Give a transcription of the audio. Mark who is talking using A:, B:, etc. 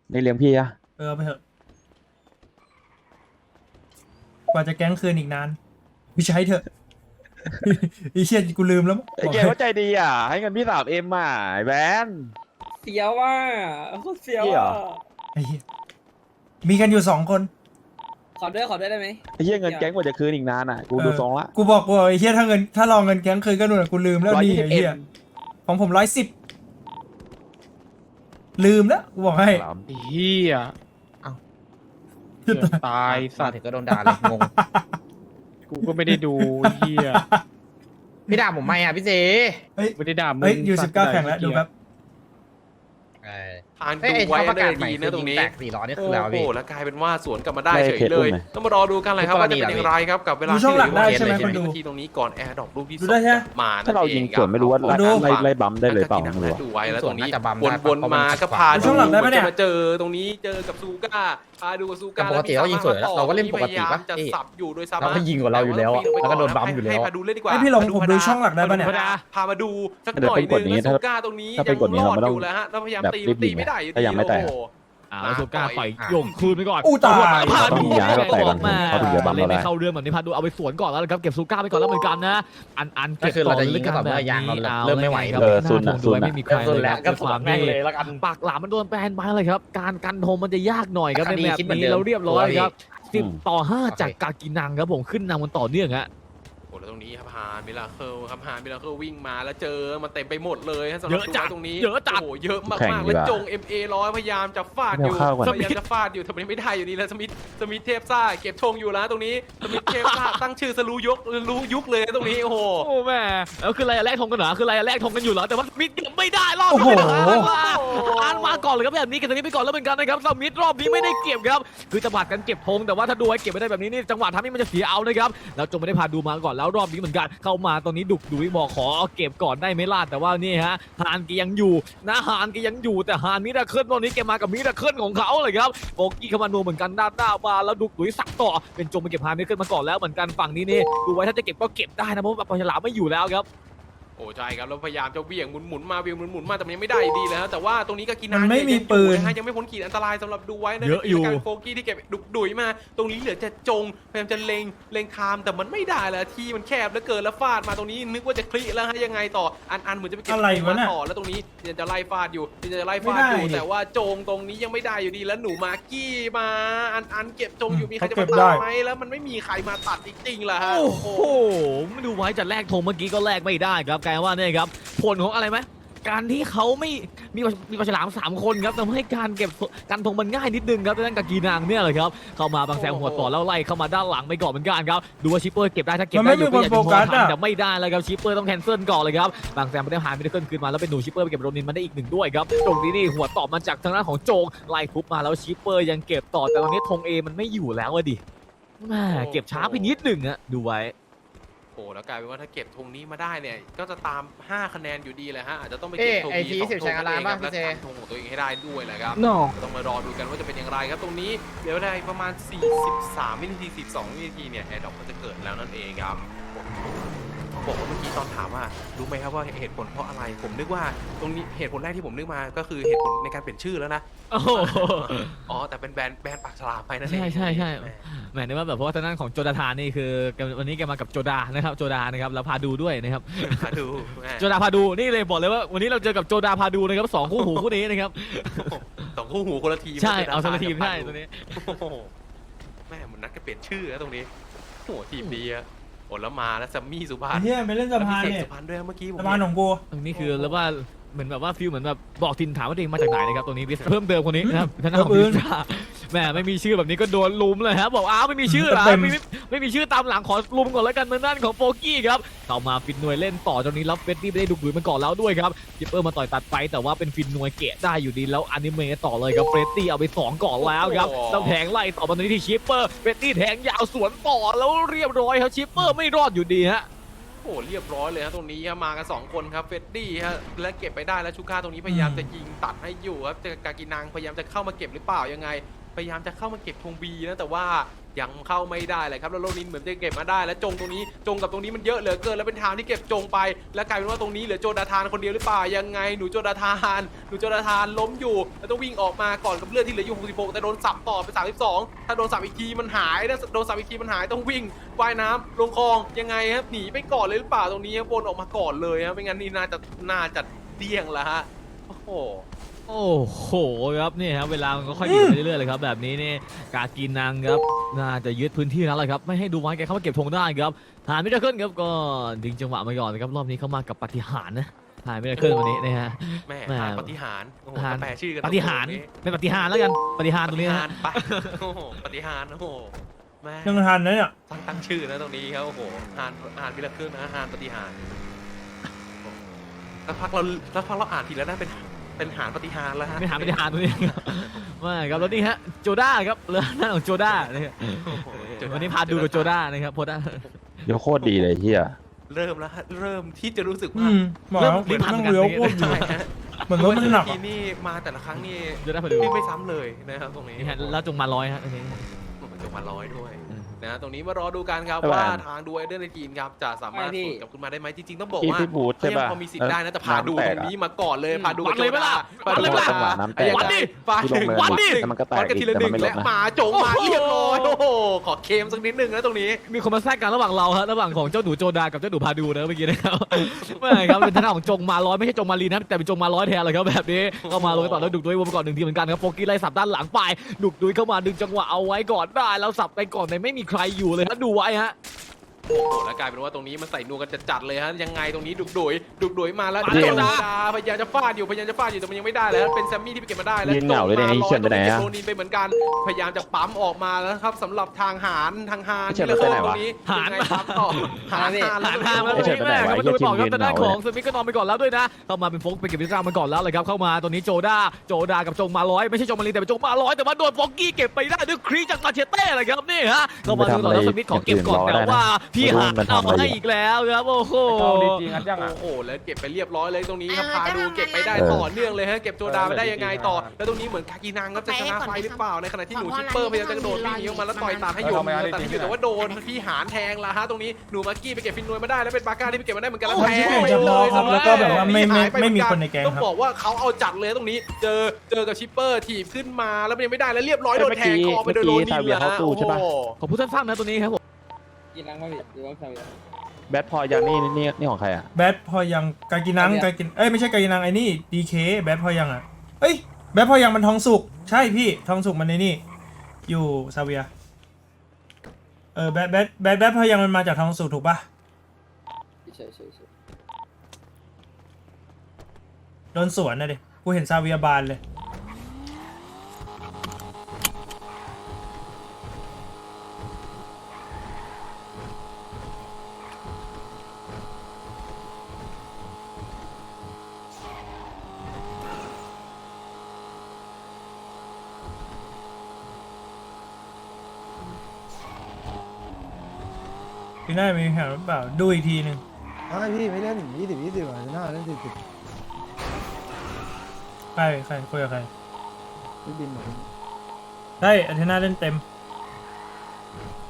A: นี่เลี้ยงพี่อะ
B: เอาไปเถอะกว่าจะแก๊งคืนอีกนานพี่ใช้เถอะ ไอ้เชี่ยกูลืมแล้ว
A: ไอ้
B: บอก
A: เก
B: ให้
A: ว่าใจดีอ่ะให้เงินพี่3Mอ่ะไอ้แบน
C: เสียวว่าโคตรเสียว
A: เหี้ย
C: อ่ะ
B: ไอ้เหี้ยมีกันอยู่2 คน
C: ขอด้วยได้ไหม
A: ไอ้เหี้ยเงินแก๊งกว่าจะคืนอีกนานอ่ะกูดูทรงละ
B: กูบอกไอ้เชี่ยถ้ารอเงินแก๊งคืนก็นู่นนะกูลืมแล้วนี่ไอ้เหี้ย
A: 120M
B: ของผม110ลืมแล้วกูบอกให้
D: เฮียเกือบตาย
E: มา
D: สัตว์
E: ถึงก็โดนด่าเลยงง
D: กูก็ไม่ได้ดูเฮีย
E: พี่ด่าผมไหมอ่ะพี่เจ
B: เฮ้ย
D: ไม่ได้ด่ามึง
B: เฮ้ยอยู่
D: สัตว์
B: 19แข่งแล้วดูครับ
F: ทาน
E: เอ้ย
F: ดู
E: ไอ้
F: ไว้
E: เขาประ
F: ได้
E: กาศใหม่
F: ดี
E: คื
F: นะ
E: อ
F: ตรงนี้
E: แตก400นี่คือ
F: โอ้
E: แล้ว
F: โห
E: พี่
F: แล้วกลายเป็นว่าสวนกลับมาได้
A: ได้
F: เฉย
A: เพจ
F: เลย
A: อุ้มไหม
F: ต้องมารอดูกันเลยครับ
E: ทุกกร
F: ว่า
E: ณี
F: จะเป็น
E: เหรอ
F: อย่างไรครับกับเวลา
B: ดูช่องหลักได้ใช่ไหม
F: ที่
B: คนดู
F: นาทีตรงนี้ก่อนแอร์ดรอปลูกที่
B: ดูได้ใช่ไหม
F: มา
A: ถ้าเรายิงสวนไม่รู้ว่า
B: ดู
A: ไล่บัมได้เลยเปล่าไม่รู้อะ
F: ดูไว้แล้วตรงนี้
E: ส่วนน่าจะบัม
F: วน
E: ได้
F: วน
E: เพราะ
F: มา
E: มัน
F: ก็พา
B: ดูช่องหลังได้ปะเนี่ย
F: จะมาเจอตรงนี้เจอกับซูก้าพาดูกับซูก้า
E: แต่ปกติเรายิงสวนแล้วเราก็เล่นปกติปะ
F: พยายามจะสับอยู่โดยซา
E: เราก็ยิงกว่าเราอยู่แล้วอะแล้วก็โดนบัมอยู่แล้ว
F: ให้พาดูเล่นดีกว่า
B: ให้พี่ลงผมดูช่องหลักได้ปะเนี่ย
F: พามาดูสักห
A: เดี๋ยว
F: น่อย
A: เป็น
F: ห
A: ก
F: นึ
A: ฎ
F: ง
A: นี้
F: แล้วซูก้าตรงนี้
A: ถ้าเป็นกฎนี้
F: ยัง
A: เราไม่
F: ร
A: ต้
F: อ
A: อง
F: ดอยู่แล้วฮะแล้วพยายาม
A: แบบ
F: ตี
A: รีบยิ
F: ตี
A: ง
F: ไม่ได้อยู่
A: ถ้ายังไม่แตก
F: โอ้โห
G: แล้วสุก้าปล่อย
E: อ่ะ
G: โยงคืนไปก่อน
B: อู้ตาย
G: พาดู
A: ต้องย้ายเราแตกก่อน
G: มา
A: เขาถึงจะบัมเราได้
G: เล่นไม่เข้าเรื่องแบบนี้พาดูเอาไปสวนก่อนแล้วนะครับเก็บสุก้าไปก่อนแล้วเหมือนกันนะอัน
E: ก็
G: เก็บ
E: คือ
G: ต่
E: เรา
G: อ
E: จะยิ
G: ลึ
E: ง
G: ก
E: ก็
G: กัน
E: ต่อ
G: แบบ
E: เมื่อยางเรา
G: นี้
E: เริ่มไม่ไหว
G: ครับ
A: ซุน
G: ห
A: อะ
G: น้า
A: ซุ
G: ท
A: น
G: ง
A: อะ
G: ไม่มีใคร
E: ซุน
G: เลย
E: แล้
G: คว รับ
E: ก็
G: ด้วยความ
E: แม่ง
G: ที่
E: เลยแล้วกัน
G: ปากหลามมันโดนแบนไปเลยครับการกันโทมันจะยากหน่อยครับใน
E: คดี
G: แมป
E: คิดเหมือน
G: นี้
E: เดิม
G: เราเรียบร้อยครับ
E: ตัวพี่
G: 10-5จากกากินังครับผมขึ้นนำมันต่อเนื่องฮะ
F: โอ้แล้วตรงนี้ครับฮานมิลาเคิลครับฮานมิลาเคิลวิ่งมาแล้วเจอมันเต็มไปหมดเลยฮะสำหรับ
G: เยอะจัด
F: ตัวตรงนี้
G: เยอะจัด
F: โอ้โหเยอะมาก
A: แข่ง
F: มาก
A: ดี
F: แล้ว
A: กว่า
F: จง MA 100พยายามจะฟาดอยู่
A: ไม่เอาเข้าก่อน
F: พยายามจะฟาดอยู่แต่มันไม่ได้อยู่ดีแล้วสมิธเทพซ่าเก็บธงอยู่แล้วตรงนี้สมิธเทพซ่าตั้งชื่อสรู้ยุคเลยตรงนี้โอ้โห
G: โอ้แม่แล้วคืออะไรอะแลกธงกันเหรอคืออะไรอะแลกธงกันอยู่เหรอแต่ว่ามิดเก็บไม่ได้รอบ
B: โอ้
G: นี้
B: โห
G: อ่านมาก่อนเลยครับแบบนี้เก็บตรงนี้ไปก่อนแล้วเหมือนกันนะครับสมิธรอบนี้ไม่ได้เก็บครับคือจังหวะกันเก็บธงแต่ว่าถ้าดูไว้เก็บไม่ได้แบบนี้นี่จังหวะทำให้มันจะเสียเอานะครับแล้วจงไม่ได้พาดูมาก่อนแล้วรอบนี้เหมือนกันเข้ามาตรงนี้ดุยบอกขอเอาเก็บก่อนได้ไหมล่ะแต่ว่านี่ฮะฮานก็ยังอยู่นะฮานก็ยังอยู่แต่ฮานมิราเคิลตอนนี้แกมากับมิราเคิลของเขาเลยครับโบกี้เข้ามานัวเหมือนกันด้านหน้ามาแล้วดุยสักต่อเป็นจงมาเก็บฮานมิราเคิลมาก่อนแล้วเหมือนกันฝั่งนี้นี่ดูไว้ถ้าจะเก็บก็เก็บได้นะเพราะว่าปลาฉลามไม่อยู่แล้วครับ
F: โอ้ใช่ครับแล้วพยายามจะเบี่ยงหมุนมาเบี่ยงหมุนมาแต่มันยังไม่ได้อยู่ดีเลยฮะแต่ว่าตรงนี้ก็กิน
B: มันไม่มีปืน
F: นะฮะยังไม่พ้นขีดอันตรายสำหรับดูไว้นะ
G: เยอะอยู่
F: การโฟกี้ที่เก็บดุยมา ตรงนี้เหลือจะจงพยายามจะเล็งไทม์แต่มันไม่ได้แล้วที่มันแคบแล้วเกินแล้วฟาดมาตรงนี้นึกว่าจะคลิแล้วฮะยังไงต่ออันเหมือนจะไปเก็บ
B: อะไรวะเนี่ย
F: ต่อแล้วตรงนี้ยังจะไล่ฟาดอยู่แต่ว่าจงตรงนี้ยังไม่ได้อยู่ดีแล้วหนูมากี้มาอันเก็บจงอยู่มีใครจะมาตัดไหมแล้วมันไม่มีใครมาตัดจริงๆล่ะฮะ
G: โอ้โหไม่ดูไว้จะแลกธงเมื่อกี้ก็แลกไม่ได้ครับกลายว่าเนี่ยครับผลของอะไรไหมการที่เขาไม่มีปลาฉลาม3คนครับทำให้การเก็บการธงมันง่ายนิดนึงครับด้านกากีนางเนี่ยเลยครับเข้ามาบางแซงหัวต่อแล้วไล่เข้ามาด้านหลังไปก่อนเหมือนกันครับดูว่าชิปเปอร์เก็บได้ถ้าเก็บได้อยู่ก็อยากจะมองทันแต่ไม่ได้แล้วครับชิปเปอร์ต้องแคนเซิลก่อนเลยครับบางแซงไม่ได้หายไม่ได้ขึ้นมาแล้วเป็นหนูชิปเปอร์ไปเก็บโรนินมาได้อีก1ด้วยครับตรงนี้นี่หัวต่อมาจากทางด้านของโจงไล่ทุบมาแล้วชิปเปอร์ยังเก็บต่อแต่ตอนนี้ธงเอมันไม่อยู่แล้วอะดิแม่เก็บช้าไปนิดหนึ่งอะดูไว้
F: โอ้แล้วกลายเป็นว่าถ้าเก็บธงนี้มาได้เนี่ยก็จะตาม5คะแนนอยู่ดีเลยฮะอาจจะต้องไป
E: เอ๊ะ
F: เก็บธง
E: ไอ้
F: ดี
E: ที
F: สอง
E: 10
F: ธ
E: ใช้
F: ง
E: งาน
F: นั่นเอง
E: ร้าน
F: ค
E: ป่ะ
F: รับและ
E: พี่เจ
F: ทำธงของตัวเองให้ได้ด้วยแหละครับ
G: no
F: ต้องมารอดูกันว่าจะเป็นอย่างไรครับตรงนี้เดี๋ยวได้ประมาณ43วินาที42วินาทีเนี่ยแอร์ดรอปก็จะเกิดแล้วนั่นเองครับบอกว่าเมื่อกี้ตอนถามว่ารู้ไหมครับว่าเหตุผลเพราะอะไรผมนึกว่าตรงนี้เหตุผลแรกที่ผมนึกมาก็คือเหตุผลในการเปลี่ยนชื่อแล้วนะ
G: โอ้โห
F: อ๋อแต่เป็นแบรนด์ปากฉลามไปนั่นเอง
G: ใช่
F: แหม
G: แหมนึกว่าแบบเพราะว่าทางด้านของโจดาธานนี่คือวันนี้แกมากับโจดานะครับโจดานะครับแล้วพาดูด้วยนะครับ
F: มาดูแหม
G: โจดาพาดูนี่เลยบอกเลยว่าวันนี้เราเจอกับโจดาพาดูนะครับ2คู่หูคู่นี้นะครับ
F: สองคู่หูคนละทีม
G: ใช่เอาคนละทีมใช่ตัวนี้
F: โอ้โหแม่มันนัดกันเปลี่ยนชื่อนะตรงนี้โอ้โหทีมดีอะโอ้แล้วมาแล้วซัมมี่สุพรรณ
B: เฮียไปเล่นสะพาน
F: แล้วมี
B: เนี่ย
F: เสกสุพรรณด้วยเมื่อกี้ผม
B: สะพานของกู
G: ตรงนี้คือแล้วว่าเหมือนแบบว่าฟิลเหมือนแบบบอกทินถามว่าตัวเองมาจากไหนนะครับตรงนี้เพิ่มเติมคนนี้นะครับทางด้านของบิซ่าแหมไม่มีชื่อแบบนี้ก็โดนลุมเลยครับบอกอ้าวไม่มีชื่อเหรอไม่มีชื่อตามหลังขอลุมก่อนแล้วกันทางด้านของโฟกี้ครับเข้ามาฟินนวยเล่นต่อตรงนี้แล้วเฟดดี้ไม่ได้ดุดุยมันก่อนแล้วด้วยครับจิปเปอร์มาต่อยตัดไปแต่ว่าเป็นฟินนวยเกะได้อยู่ดีแล้วอนิเมะต่อเลยครับเฟดดี้เอาไป2ก่อนแล้วครับต้องแทงไล่ต่อมาตรงนี้ที่ชิปเปอร์เฟดดี้แทงยาวสวนต่อแล้วเรียบร้อยครับชิปเปอร์ไม่รอดอยู่ดีฮะ
F: โอ้โหเรียบร้อยเลยครับตรงนี้ครับมากัน2คนครับเฟดดี้ฮะและเก็บไปได้แล้วชูก้าตรงนี้พยายามจะยิงตัดให้อยู่ครับจะกากินังพยายามจะเข้ามาเก็บหรือเปล่ายังไงพยายามจะเข้ามาเก็บธงบีนะแต่ว่ายังเข้าไม่ได้เลยครับแล้วโรนินเหมือนจะเก็บมาได้แล้วจงตรงนี้จงกับตรงนี้มันเยอะเหลือเกินแล้วเป็นทางที่เก็บจงไปแล้วกลายเป็นว่าตรงนี้เหลือโจดาธานคนเดียวหรือเปล่ายังไงหนูโจดาธานล้มอยู่แล้วต้องวิ่งออกมาก่อนกับเลือดที่เหลืออยู่66แต่โดนสับต่อไป32ถ้าโดนสับอีกทีมันหายนะโดนสับอีกทีมันหายต้องวิ่งว่ายน้ำลงคลองยังไงครับหนีไปก่อนเลยหรือเปล่าตรงนี้ครับวนออกมาก่อนเลยครับไม่งั้นนี่น่าจะเดี่ยงแล้วฮะโอ้โห
G: โอ้โหครับนี่ครับเวลามันก็ค่อยดีไปเรื่อยๆเลยครับแบบนี้นี่กากีนังครับน่าจะยึดพื้นที่แล้วแหละครับไม่ให้ดูไว้แกเข้ามาเก็บธงได้ครับหานไม่ได้ขึ้นครับก็ดึงจังหวะมาก่อนนะครับรอบนี้เข้ามากับปาฏิหาริย์นะหานไม่ได้ขึ้นวันนี้นะฮะ
F: แม่
G: แม่
F: หาปฏิหารย์โอ้โห
G: หาร
F: แปลชื่อกัน
G: ปาฏิหาริย์เป็นปาฏิหาริย์แล้วกันปาฏิหาริย์ตรงนี้
F: ปฏิ
G: นะ
F: หา
G: ฮะ
F: รย์ไปโอ้โหปฏิหารย์โอ้โหแม่
B: ยังทันนะเนี่ย
F: ตั้งชื่อนะตรงนี้ครับโอ้โหหานวิลเครื่องนะหานปฏิหารย์แล้วพักเราอ่านทีแล้วนะเป็นหานปฏิหารย์แล้วฮะ
G: ไม่หาปาฏิหาริย์ตรงนี้ไม่ครับแล้วนี่ฮะโจด้าครับเรือหน้าของโจด้านะครับ
F: โอ้โห
G: วันนี้พาดูกับโจด้านะครับโพด้า
A: เดี๋ยวโคตรดีเลยเฮีย
F: เริ่มแล้วฮะเริ่มที่จะรู้สึก
B: อื
F: ว่า
B: มบอกแล้วเหมือนนั่งเรือโคตรอยู่
F: ใช่ฮะ
B: เหมือนรถมันหนัก
F: ที
B: อะ
F: นี่มาแต่ละครั้งนี่
G: โจด้าพาดู
F: วิ่งไม่ซ้ำเลยนะครับตรงนี้
G: นี่ฮะแล้วจงมาร้อยฮะโอเค
F: จงมาร้อยด้วยนะตรงนี้มารอดูกันครับ
A: ใช่ป่ะ
F: ว่าทางดูไอเดอร์ในทีมครับจะสามารถ
C: ใช่พี่
F: สวนกลับขึ้นมาได้ไหมจริงๆต้องบอก
A: พี่
F: ว่า
A: พี่บูธ
F: เขา
A: ใช่
F: ยัง
A: ป่ะ
F: พอมีสิทธิ์ได้นะแต่พาดู
A: น้ำ
F: ต
A: แต
F: ร
A: ก
F: ง
A: อะ
F: นี้มาก่อนเลยพาดู
G: วัดเลยปะล่ะ
F: พาดู
G: วัดเลยปะล่ะ
F: จังหวะ
A: น้ำแตก
G: วัดดิ
F: ฟาด
A: ที่ลงเนิน
F: วัดดิ
A: แต่มันก็แตก
F: วัดกันทีละหนึ่ง
A: แต่มันไม่ล
F: และ
A: ดนะ
F: หมาจงมาเรียบร้อยโอ้โหขอเคมสักนิดนึงนะตรงนี้
G: มีคนมาแทรกกันระหว่างเราฮะระหว่างของเจ้าหนูโจดากับเจ้าหนูพาดูนะเมื่อกี้นะครับ ไม่ครับเป็นทางด้านของจงมาร้อยไม่ใช่จงมาลีนะแต่เป็นจงมาร้อยแทนเลยครับแบบนี้เข้ามาลงต่อแล้วดุกดุยวนไปก่อนหนึ่งทีเหมือนกันครับโฟกี้ไล่สับด้านหลังไปดุกดุยเข้ามาดึงจังหวะเอาไว้ก่อนได้แล้วสับไปก่อนแต่ไม่มีใครอยู่เลยฮะดูไว้ฮะ
F: โอ้โหแล้วกลายเป็นว่าตรงนี้มันใส่นัวกันจัดๆเลยฮะยังไงตรงนี้ดุกดุยมาแล้ว
G: มา
F: โจ
G: แล้ว
F: ดาพยายามจะฟาดอยู่แต่มันยังไม่ได้แล้วเป็นแซมมี่ที่ไปเก็บมาได้แล้ว
A: ยืนเหงาเลยเนี่ย
F: จง
A: นี่เขียนไปไหนอะ
F: โรนินไปเหมือนกันพยายามจะปั๊มออกมาแล้วครับสำหรับทางหาร
A: เขียนไปไหนวะ
F: ตรงนี้
G: หาร
F: ยังไงปั๊มต่อหาร
G: หานทางแล้ว
A: ไม่
G: ตร
A: ใช่
G: งนี้แม่ครับ
A: ไป
G: มา
A: ไหนวะ
G: ดูต่อครับ
A: ยืน
G: ทางด้าน
A: เหงา
G: ของสมิธก็นอนไปก่อนแล้วด้วยนะเข้ามาเป็นโฟกไปเก็บวิสรามาก่อนแล้วเลยครับเข้ามาตัวนี้โจดากับจงมาร้อยไม่ใช่จงมาลีแต่เป็นจงมาร้อยแต่ว่าโดนฟอกกี้เก็บไปได้ด้วยครีจากมาเชเต้เลยครับนี่ฮะเข้ามาดูต่อแล้วสมิธขอเก็บก่อนแต่ว่าพี่หานเอาให้อีกแล้วครับโอ้โห
F: โอ้โหแล้วเก็บไปเรียบร้อยเลยตรงนี้ครับพาดูเก็บไปได้ต่อเนื่องเลยฮะเก็บโจดาไปได้ยังไงต่อแล้วตรงนี้เหมือนคากินังครับจะชนะไฟหรือเปล่าในขณะที่หนูชิปเปอร์พยายามจะกระโดดวิ่งหนีออกมาแล้วต่อยตามให้อยู่แต่ที่อยู่แต่ว่าโดนพี่หานแทงละฮะตรงนี้หนูมาร์กี้ไปเก็บฟินนวยมาได้แล้วเป็นบาก้าที่ไปเก็บมาได้เหมือนกันแล้วแทงไปเลย
B: แล้วก็แบบว่าไม่มีคนในแก๊ง
F: ต้อง
B: ครับ
F: บอกว่าเขาเอาจัดเลยตรงนี้เจอกับชิปเปอร์ถีบขึ้นมาแล้วมันยังไม่ได้แล้วเรียบร้อยโดนแทงคอไปโดยโรนินแล้ว
G: ขอพูดสั้นๆนะตัวนี้ครับผม
C: กินนังมาพี่หรือว่าซาเวีย
A: แบทพอยังนี่ของใครอ่ะ
B: แบทพอยังกากินังกากินเอ้ยไม่ใช่กากินังไอ้นี่ดีเคแบทพอยังอ่ะเอ้ยแบทพอยังมันทองสุกใช่พี่ทองสุกมันในนี่อยู่ซาเวียแบทพอยังมันมาจากทองสุกถูกปะ
C: ใช่
B: โดนสวนนะดิกูเห็นซาเวียบานเลยพี่น่ามีแผนหรือเปล่าดูอีกทีหนึ่ง
H: ไม่พี่ไม่เล่น20อ่ะน่าเล่น40
B: ใครคุยกับใคร
H: พี่บินเหมือน
B: ได้อาเทน่าเล่นเต็ม